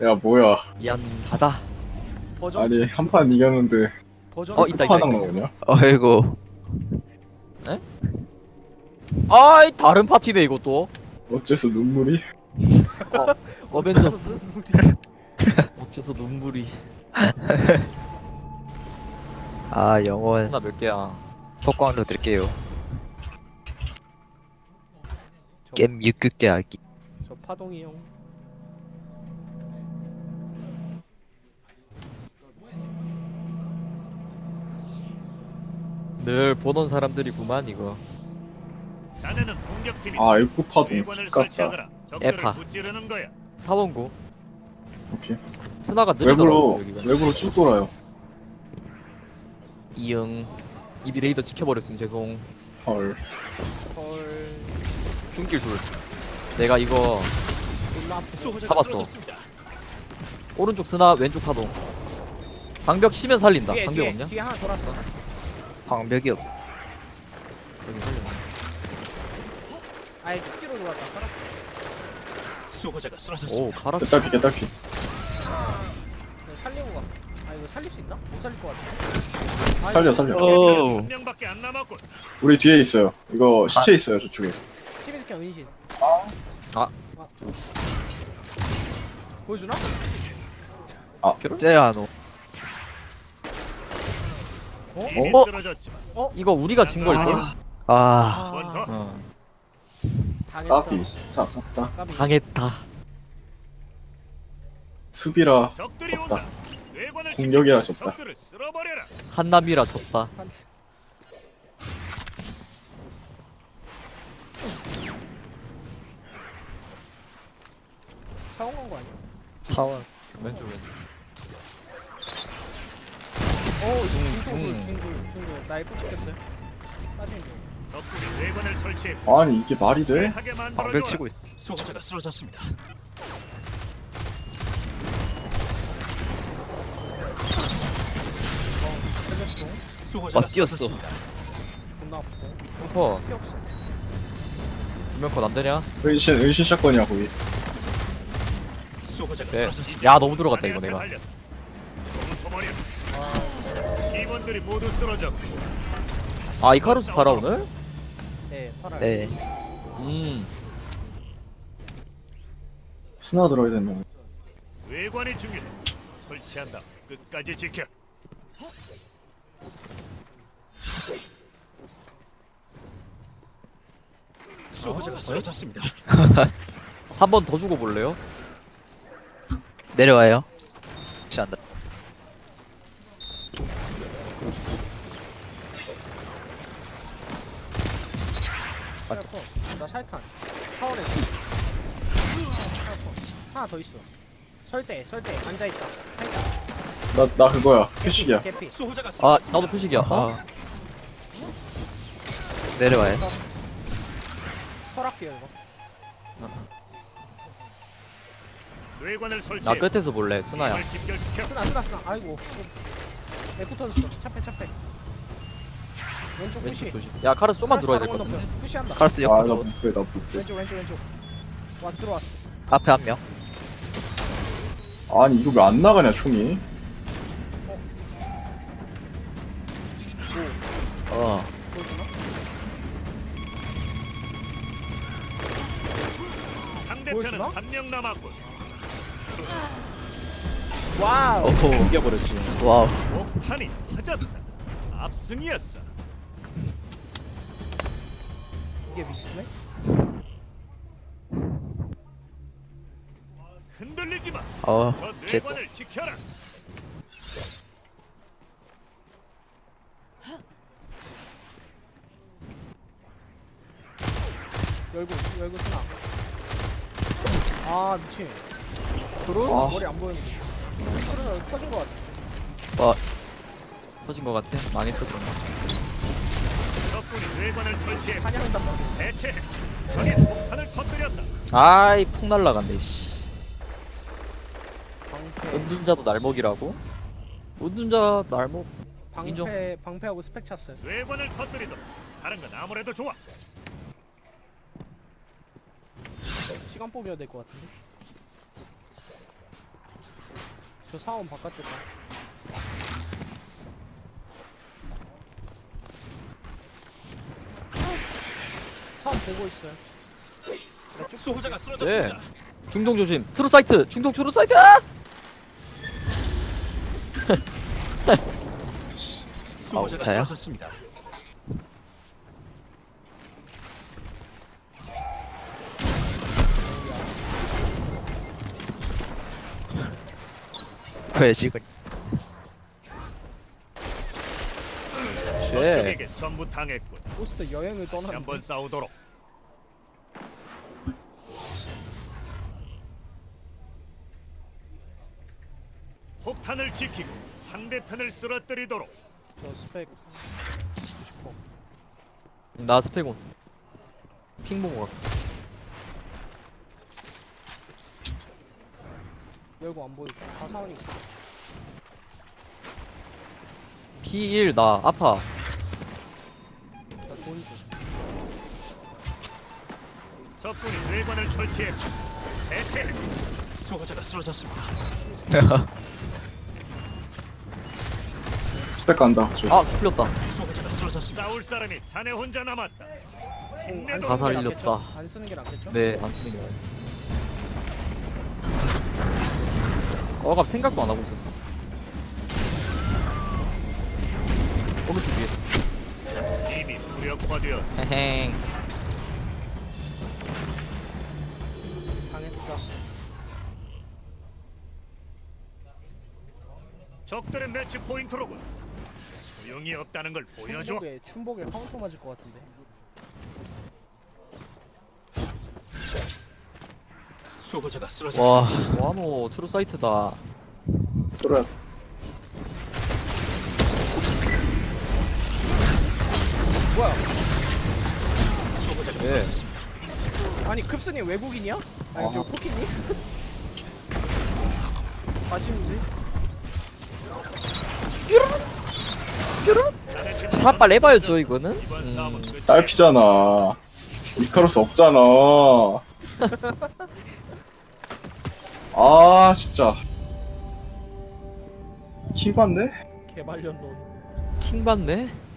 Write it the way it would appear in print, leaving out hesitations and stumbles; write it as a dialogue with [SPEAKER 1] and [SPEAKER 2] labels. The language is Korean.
[SPEAKER 1] 야 뭐야?
[SPEAKER 2] 미안하다.
[SPEAKER 3] 버전
[SPEAKER 1] 아니 한 판 이겼는데
[SPEAKER 3] 버전
[SPEAKER 2] 있다,
[SPEAKER 1] 하나 나오냐?
[SPEAKER 4] 어이구.
[SPEAKER 2] 아이 다른 파티네 이것도.
[SPEAKER 1] 어째서 눈물이?
[SPEAKER 2] 어벤져스? 어째서 눈물이.
[SPEAKER 4] 아, 영원.
[SPEAKER 2] 하나 몇 개야?
[SPEAKER 4] 폭광로 드릴게요. 게임 6개 하기.
[SPEAKER 3] 저 파동이 형.
[SPEAKER 2] 늘 보던 사람들이구만 이거.
[SPEAKER 5] 자네는 공격팀이
[SPEAKER 1] 아 F 파동
[SPEAKER 5] 외관을
[SPEAKER 1] X같다.
[SPEAKER 5] 설치하거나
[SPEAKER 2] 에파.
[SPEAKER 5] 적들을 무찌르는 거야.
[SPEAKER 2] 사원고.
[SPEAKER 1] 오케이.
[SPEAKER 2] 스나가
[SPEAKER 1] 외부로
[SPEAKER 2] 느리더라고 여기가.
[SPEAKER 1] 외부로 쭉 돌아요.
[SPEAKER 2] 이응. 이비 레이더 지켜버렸음 죄송.
[SPEAKER 1] 헐.
[SPEAKER 3] 헐.
[SPEAKER 2] 중길 둘. 내가 이거
[SPEAKER 3] 졸라 아프죠.
[SPEAKER 5] 수호자가
[SPEAKER 2] 잡았어.
[SPEAKER 5] 쓰러졌습니다.
[SPEAKER 2] 오른쪽 스나 왼쪽 파동. 방벽 치면 살린다.
[SPEAKER 3] 뒤에
[SPEAKER 2] 방벽
[SPEAKER 3] 뒤에
[SPEAKER 2] 없냐?
[SPEAKER 3] 뒤에 하나 돌았어.
[SPEAKER 4] 방벽이 없.
[SPEAKER 2] 여기 살려.
[SPEAKER 3] 아예 툭기로 돌았다. 살았어.
[SPEAKER 5] 수호자가 쓰러졌습니다.
[SPEAKER 2] 오 가라.
[SPEAKER 1] 개딱히 개딱히.
[SPEAKER 3] 이거 살리고 가. 아 이거 살릴 수 있나? 못 살릴 것 같은데.
[SPEAKER 1] 살려 살려.
[SPEAKER 4] 오.
[SPEAKER 5] 한 명밖에 안 남았군.
[SPEAKER 1] 우리 뒤에 있어요. 이거 시체 있어요 저쪽에.
[SPEAKER 3] 시미스캔 은신.
[SPEAKER 2] 아.
[SPEAKER 3] 보여주나?
[SPEAKER 4] 쟤야노.
[SPEAKER 5] 이미
[SPEAKER 2] 어?
[SPEAKER 5] 쓰러졌지만
[SPEAKER 2] 이거 우리가 진 걸걸?
[SPEAKER 4] 아,
[SPEAKER 5] 한 번 더.
[SPEAKER 2] 어.
[SPEAKER 3] 당했다.
[SPEAKER 1] 까비. 진짜 아깝다.
[SPEAKER 3] 까비.
[SPEAKER 2] 당했다.
[SPEAKER 1] 수비라
[SPEAKER 5] 적들이
[SPEAKER 1] 없다.
[SPEAKER 5] 온다. 외관을
[SPEAKER 1] 공격이라
[SPEAKER 5] 지키고
[SPEAKER 1] 졌다.
[SPEAKER 5] 적들을 쓸어버려라.
[SPEAKER 2] 한남이라 졌다.
[SPEAKER 3] 판치. 사원 간거 아니야?
[SPEAKER 4] 사원.
[SPEAKER 2] 왼쪽 왼쪽.
[SPEAKER 3] 중돌. 나 F 찍혔어요. 빠지는 중.
[SPEAKER 5] 적들이 외관을 설치해
[SPEAKER 1] 아니 이게 말이 돼?
[SPEAKER 5] 하게
[SPEAKER 4] 방벽
[SPEAKER 5] 만들어줘.
[SPEAKER 4] 치고 있어.
[SPEAKER 5] 수호자가 쓰러졌습니다.
[SPEAKER 3] 살렸어.
[SPEAKER 5] 수호자가
[SPEAKER 4] 뛰었어.
[SPEAKER 5] 쓰러졌습니다.
[SPEAKER 3] 존나 아프고.
[SPEAKER 2] 펑퍼
[SPEAKER 3] 피 없어.
[SPEAKER 2] 두명 컷 안되냐?
[SPEAKER 1] 은신 샷건이야 거기.
[SPEAKER 5] 수호자가
[SPEAKER 2] 네.
[SPEAKER 5] 쓰러졌습니다.
[SPEAKER 2] 야 너무 들어갔다 이거 내가.
[SPEAKER 5] 소머리. 팀원들이 모두 쓰러졌고
[SPEAKER 2] 아 이카루스 팔아 오늘?
[SPEAKER 3] 네, 팔아요.
[SPEAKER 4] 네.
[SPEAKER 1] 스나 들어야 되는.
[SPEAKER 5] 외관이 중요해. 설치한다. 끝까지 지켜. 수호자가 쓰러졌습니다.
[SPEAKER 2] 한 번 더 주고 볼래요?
[SPEAKER 4] 내려와요. 취한다.
[SPEAKER 3] 살았어. 나 살탄. 타월에. 하나 더 있어. 설대. 앉아있다.
[SPEAKER 1] 나 그거야. 표식이야.
[SPEAKER 3] 개피.
[SPEAKER 5] 수호자가
[SPEAKER 2] 아
[SPEAKER 5] 쓰러졌습니다.
[SPEAKER 2] 나도 표식이야. 어?
[SPEAKER 4] 아. 내려와요.
[SPEAKER 3] 설악기야 이거.
[SPEAKER 5] 뇌관을
[SPEAKER 2] 나
[SPEAKER 5] 설치해.
[SPEAKER 2] 끝에서 볼래 스나야.
[SPEAKER 5] 힘을 집결시켜.
[SPEAKER 3] 쓰나. 아이고. 에코 터졌어. 차패. 왼쪽 푸시.
[SPEAKER 2] 왼쪽 조심. 야 카루스 좀만 들어야 될 것 같은데.
[SPEAKER 3] 푸시한다.
[SPEAKER 4] 카르스
[SPEAKER 1] 아나
[SPEAKER 4] 옆으로.
[SPEAKER 1] 못해 나 못해.
[SPEAKER 3] 왼쪽. 와 들어왔어.
[SPEAKER 4] 앞에 한 명.
[SPEAKER 1] 아니 이거 왜 안 나가냐 총이?
[SPEAKER 4] 어.
[SPEAKER 3] 보여주나?
[SPEAKER 5] 상대편은
[SPEAKER 3] 보여주나?
[SPEAKER 5] 한 명 남았군.
[SPEAKER 3] 와우.
[SPEAKER 4] 오호.
[SPEAKER 2] 이겨버렸지.
[SPEAKER 4] 와우.
[SPEAKER 5] 목탄이 터졌다. 압승이었어.
[SPEAKER 3] 이게 미스네?
[SPEAKER 5] 흔들리지 마.
[SPEAKER 4] 어.
[SPEAKER 5] 저
[SPEAKER 4] 개또.
[SPEAKER 5] 뇌관을 지켜라.
[SPEAKER 3] 열고 쓰나. 아 미친.
[SPEAKER 2] 프로?
[SPEAKER 1] 아.
[SPEAKER 3] 머리 안 보이는데. 소리가 터진 것 같아.
[SPEAKER 2] 터진 것 같아. 망했어 그럼.
[SPEAKER 5] 적군이 뇌관을 설치해
[SPEAKER 3] 사냥한단 말이야.
[SPEAKER 5] 대체해. 적의 폭탄을 터뜨렸다.
[SPEAKER 2] 아이 폭 날라간대. 씨.
[SPEAKER 3] 방패.
[SPEAKER 2] 은둔자도 날먹이라고? 은둔자 날먹. 인정.
[SPEAKER 3] 방패하고 스펙 찼어요.
[SPEAKER 5] 뇌관을 터뜨리도 다른 건 아무래도 좋아.
[SPEAKER 3] 시간 뽑아야 될 것 같은데. 저 사원 바깥쪽 가. 사원 보고 있어요.
[SPEAKER 5] 수호자가
[SPEAKER 2] 네.
[SPEAKER 5] 쓰러졌습니다.
[SPEAKER 2] 중동 조심. 트루 사이트. 중동 트루 사이트. 아!
[SPEAKER 5] 수호자가
[SPEAKER 4] 차요?
[SPEAKER 5] 쓰러졌습니다.
[SPEAKER 4] 왜 지금?
[SPEAKER 2] 쉣.
[SPEAKER 5] 적에게 전부 당했군.
[SPEAKER 3] 포스트 여행을
[SPEAKER 5] 다시 한번
[SPEAKER 3] 떠났는데.
[SPEAKER 5] 싸우도록. 폭탄을 지키고 상대편을 쓰러뜨리도록.
[SPEAKER 3] 저 스펙 지키고 싶어.
[SPEAKER 2] 나 스펙온. 핑봉 가.
[SPEAKER 3] 열고 안 보이고. 다 사원이 있어.
[SPEAKER 2] P1 나 아파.
[SPEAKER 3] 나돈 줘.
[SPEAKER 5] 적군이 뇌관을 설치했고 대체 수호자가 쓰러졌습니다.
[SPEAKER 1] 스펙 간다. 저.
[SPEAKER 2] 아 풀렸다.
[SPEAKER 5] 수호자가 쓰러졌습니다. 싸울 사람이 자네 혼자 남았다. 힘내도
[SPEAKER 2] 다
[SPEAKER 3] 쓰는 게
[SPEAKER 2] 살렸다.
[SPEAKER 3] 낫겠죠? 안 쓰는 게 낫겠죠?
[SPEAKER 2] 네, 안 쓰는 게 나아요. 어갑 생각도 안 하고 있었어. 오른쪽 위에.
[SPEAKER 5] 이미 무력화되어
[SPEAKER 2] 헤행.
[SPEAKER 3] 당했어.
[SPEAKER 5] 적들의 매치 포인트로군. 소용이 없다는 걸 보여줘.
[SPEAKER 3] 춘복에 카운터 맞을 것 같은데.
[SPEAKER 5] 수호자가
[SPEAKER 4] 와,
[SPEAKER 5] 쓰러졌습니다.
[SPEAKER 2] 와노 트루 사이트다.
[SPEAKER 1] 들어야
[SPEAKER 5] 수호자가
[SPEAKER 2] 네.
[SPEAKER 5] 쓰러졌습니다.
[SPEAKER 3] 아니 급스님 외국인이야? 아니 저 포키님? 아쉬운지?
[SPEAKER 2] 샷발 해봐야죠 이거는.
[SPEAKER 5] 이번 싸움은 끝이야.
[SPEAKER 1] 딸피잖아. 이카로스 없잖아. 아 진짜. 킹 받네?
[SPEAKER 3] 개발년론.
[SPEAKER 2] 킹 받네.